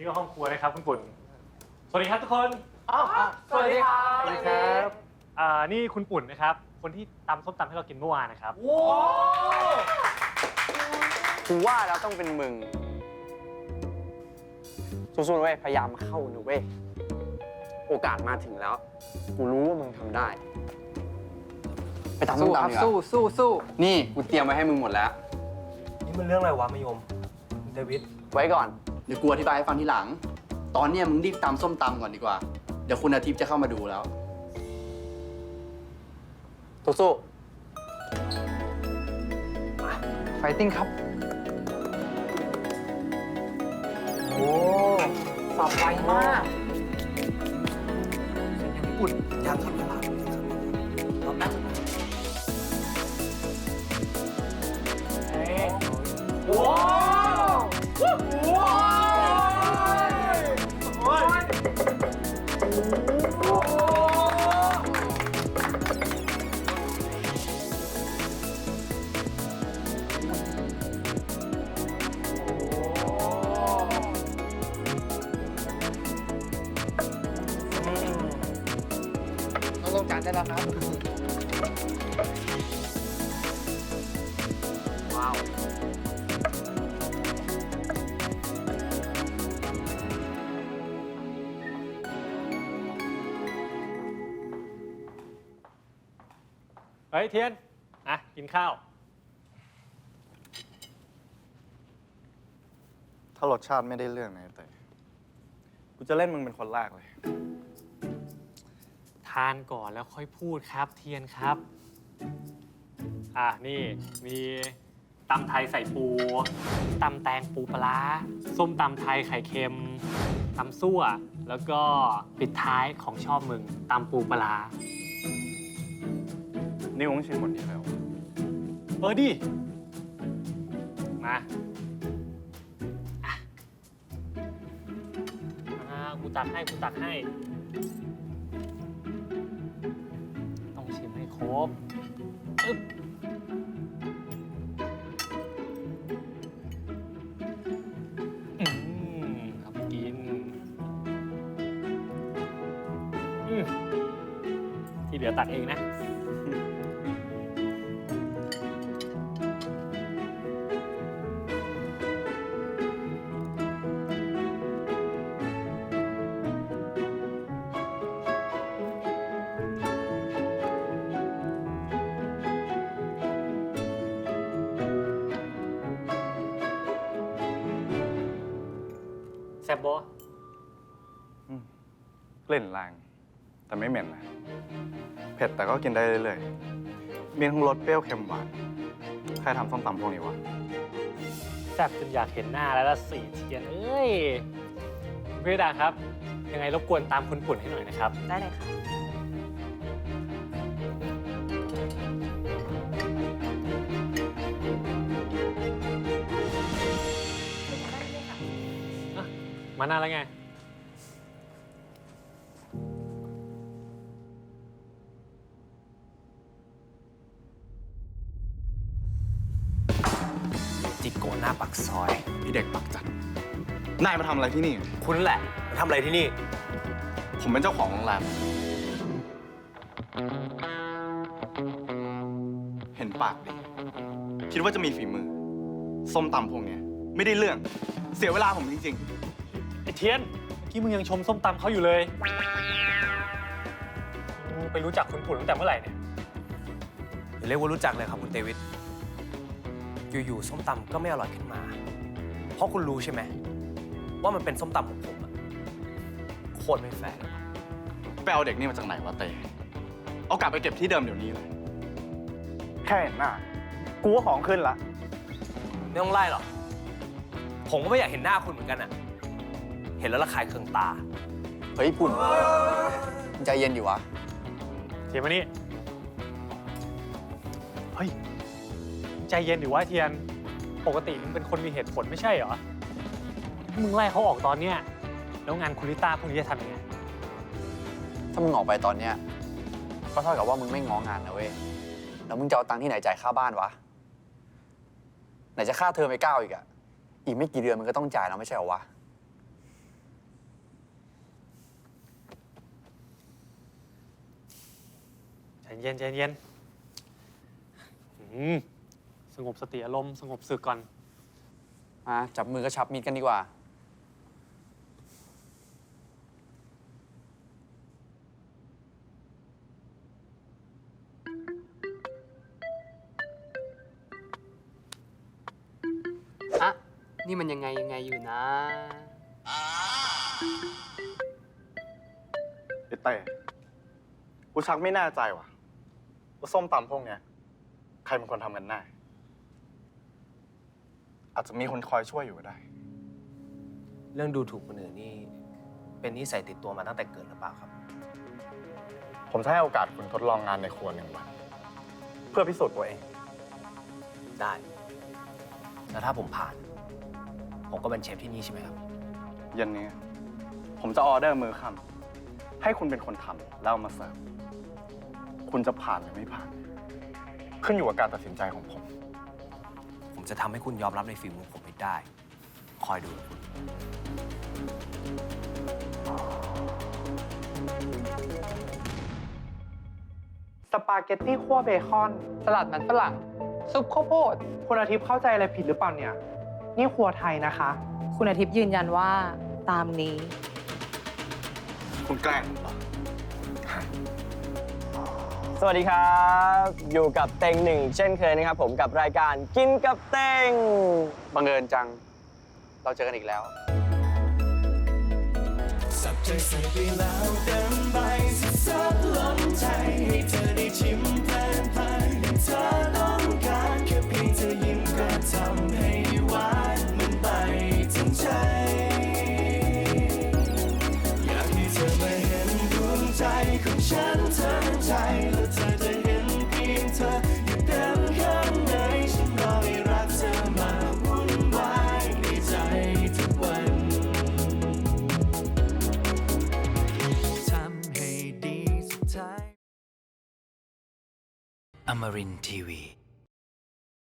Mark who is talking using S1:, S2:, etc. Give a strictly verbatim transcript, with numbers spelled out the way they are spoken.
S1: นี่ก็ห้องครัวนะครับคุณปุ่นสวัสดีครับทุกคน
S2: อ๋อสวัสดีครับ
S1: สวัสดีครับอ่านี่คุณปุ่นนะครับคนที่ตำส้มตำให้เรากินเมื่อวานนะครับ
S2: โว้
S3: กูว่าแล้วต้องเป็นมึงสู้ๆเว้ยพยายามเข้านะเว้ยโอกาสมาถึงแล้วกูรู้ว่ามึงทำได้ไปตามส้มตำดีกว่า
S2: สู้สู้สู้
S3: นี่กูเตรียมไว้ให้มึงหมดแล้ว
S4: นี่มันเรื่องอะไรวะมายมเดวิด
S3: ไว้ก่อน
S5: เดี๋ยวกูอธิบายให้ฟังทีหลัง ตอนเนี้ยมึงรีบตำส้มตำก่อนดีกว่า เดี๋ยวคุณอาทิตย์จะเข้ามาดูแล้ว
S3: สู้
S2: ไฟติ้งครับโอ้สับไวมาก
S4: ปุ่นยามทำตลาดรอบนั้น
S2: ว้าวว้าว
S3: ต้องลงจานได้แล้วครับว้าว
S1: เฮ้ยเทียนอ่ะกินข้าว
S5: ถ้ารสชาติไม่ได้เรื่องนะแต่กูจะเล่นมึงเป็นคนแรกเลย
S1: ทานก่อนแล้วค่อยพูดครับเทียนครับอ่ะนี่มีตำไทยใส่ปูตำแตงปูปลาร้าส้มตำไทยไข่เค็มตำซั่วแล้วก็ปิดท้ายของชอบมึงตำปูปลาร้า
S5: นี่มึงชิมหมดนี้แล้ว
S1: เออดิมาอ่ะอ่ากูตักให้กูตักให้ ต้องชิมให้ครบอึ๊บอืมครับกินอืมที่เหลือตักเองนะ แซ่บบ่
S5: กลิ่นแรงแต่ไม่เหม็นนะ เผ็ดแต่ก็กินได้เรื่อยๆ มีทั้งรสเปรี้ยวเค็มหวาน ใครทำส้มตำพวกนี้วะ
S1: แซ่บจนอยากเห็นหน้าแล้วละสีเทียนเอ้ยคุณพิดาครับ ยังไงรบกวนตามคุณปุ่นให้หน่อยนะครับ
S2: ได้เลยค่ะ
S1: มานานแล้วไง
S4: จิโกหน้าปักซอย
S5: พี่เด็กปักจัด นายมาทำอะไรที่นี่
S4: คุณแหละมาทำอะไรที่นี่
S5: ผมเป็นเจ้าของโรงแรม เห็นปากดิ คิดว่าจะมีฝีมือ ส้มตำพวกเนี้ยไม่ได้เรื่อง เสียเวลาผมจริง
S1: ไอ้เทียนเมื่อกี้มึงยังชมส้มตำเขาอยู่เลยมึงไปรู้จักคุณปุ่นตั้งแต่เมื่อไหร่เนี่ย
S4: อย่าเรียกว่ารู้จักเลยครับคุณเดวิด อยู่ๆส้มตำก็ไม่อร่อยขึ้นมา เพราะคุณรู้ใช่ไหมว่ามันเป็นส้มตำของผมอะโคตรไม่แฟร์เลยว่ะ
S5: ๆ ไปเอาเด็กนี่มาจากไหนวะเตเอากลับไปเก็บที่เดิมเดี๋ยวนี้เลย แค่เห็นหน้า กูว่าของขึ้นละ
S4: ไม่ต้องไล่หรอก ผมก็ไม่อยากเห็นหน้าคุณเหมือนกันอะเห็นแล้วระคายเคืองตา
S3: เฮ้ยปุ่นมึงใจเย็นอยู่วะ
S1: เทียนมานี่ เฮ้ย ใจเย็นดิวะเทียน ปกติมึงเป็นคนมีเหตุผลไม่ใช่เหรอ มึงไล่เขาออกตอนเนี้ยแล้วงานคุณลิต้าพวกนี้จะทำยังไง
S3: ถ้ามึงออกไปตอนเนี้ยก็เท่ากับว่ามึงไม่ง้องานนะเว้ย แล้วมึงจะเอาตังค์ที่ไหนจ่ายค่าบ้านวะ ไหนจะค่าเทอมไอ้ก้าวอีกอะอีกไม่กี่เดือนมึงก็ต้องจ่ายแล้วไม่ใช่เหรอวะ
S1: เย็นใจเย็นอืมสงบสติอารมณ์สงบสึกก่อน
S3: มาจับมือก็ชับมิดกันดีกว่า
S2: อะนี่มันยังไงยังไงอยู่นะ
S5: ไอ้เต้กูชักไม่แน่ใจว่ะว่าส้มตำพวกเนี้ยใครเป็นคนทำกันแน่ อาจจะมีคนคอยช่วยอยู่ก็ได้
S4: เรื่องดูถูกคนอื่นนี่เป็นนิสัยติดตัวมาตั้งแต่เกิดหรือเปล่าครับ
S5: ผมจะให้โอกาสคุณทดลองงานในครัวหนึ่งวัน เพื่อพิสูจน์ตัวเอง
S4: ได้ แล้วถ้าผมผ่าน ผมก็เป็นเชฟที่นี่ใช่ไหมครับ
S5: เย็นนี้ ผมจะออเดอร์มือค่ำให้คุณเป็นคนทำแล้วเอามาเสิร์ฟ คุณจะผ่านหรือไม่ผ่าน ขึ้นอยู่กับการตัดสินใจของผม
S4: ผมจะทำให้คุณยอมรับในฝีมือผมให้ได้ คอยดูคุณ
S6: สปาเกตตี้คั่วเบคอน
S2: สลัดมันฝรั่ง ซุปข้าวโพด
S6: คุณอาทิตย์เข้าใจอะไรผิดหรือเปล่าเนี่ย นี่ครัวไทยนะคะ
S7: คุณอาทิตย์ยืนยันว่าตามนี้
S5: คุณแกล้งผมเหรอ
S3: สวัสดีครับ อยู่กับเต็งหนึ่งเช่นเคยนะครับผมกับรายการกินกับเต็งบังเอิญจัง เราเจอกันอีกแล้ว
S8: สับใจใส่ไปแล้วเต็มใบสุดซับล้นใจให้เธอได้ชิมเพลินเพลินอย่างเธอต้องการแค่เพียงเธอยิ้มก็ทำให้หวานมันไปถึงใจอยากให้เธอมาเห็นดวงใจของฉันเธอใจแล้วเธอจะเห็นเพียงเธออยู่เต็มข้างในฉันรอให้รักเธอมาวุ่นวายในใจทุกวัน ทำให้ดีสุดท้าย
S9: Amarin ที วี